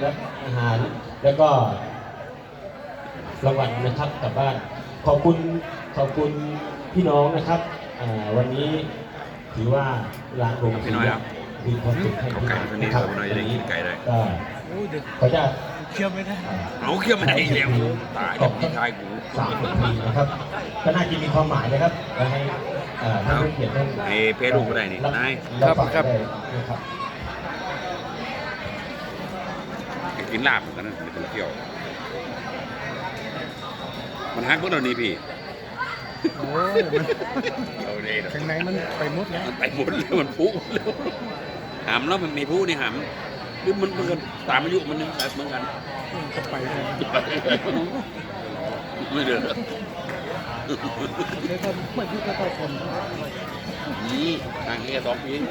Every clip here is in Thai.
และอาหารแล้วก็รางวัลนะครับกลับบ้านขอบคุณพี่น้องนะครับวันนี้ถือว่าร้านโรงสีมีความสุขให้พี่น้องนะครับวันนี้ก็ขออนุญาตเคี่ยวไม่ได้เอาเคี่ยวไม่ได้เร็วตายกับพี่ชายกู 30 ปีนะครับก็น่าจะมีความหมายนะครับให้ท่านผู้เกียรติท่านเพจลูกก็ได้นี่นายครับนะครับกินลาบเหมือนกันนะไม่ต้องเที่ยวมันฮักพวกเรานี่พี่โอ้ยเราเนี่ยข้างในมันไปมุดแล้วไปหมดเลยมันพุหามแล้วมันมีพุนี่หามหรือมันก็ตามอายุมันนึงแต่เหมือนกันจะไปเลยไม่เดือดเลยก็ไม่พูดก็ต้องคนนี่ทางนี้2 ปี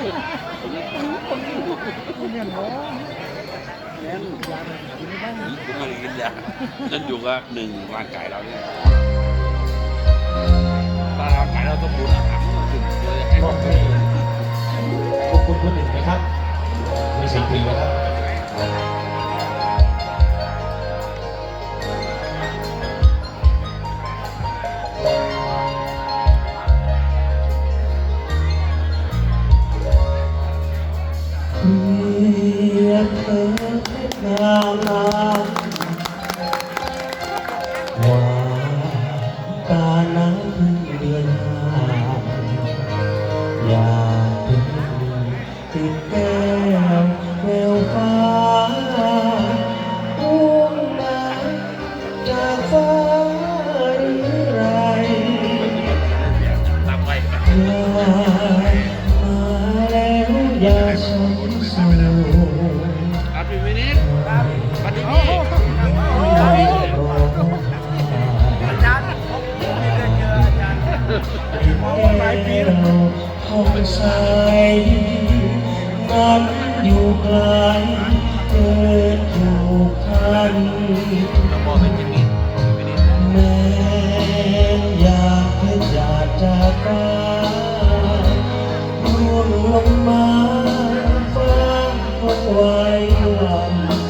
ไม่เงี้ยหรอแย่ยากินไม่ได้ผมไม่กินยานั่นอยู่ก็1ร่างกายเราเนี่ยถ้าร่างกายเราต้องบูรณาการถึงเลยให้ขอบคุณคนอื่นนะครับมี10 ปีแล้วครับว่าการน้ำพึ่งเดือน5อยากเป็นติดแก้วแววฟ้าพุ่งมาจากฟ้าหรือไรมาแล้วอย่าช้ำสูครับพี่วินิจครับปฏิบัติห้องใสนั้นอยู่ไกลเกินถูกพันแม้อยากเพื่ออยากจากกันร่วงลงมาฟ้าคงไว้วัน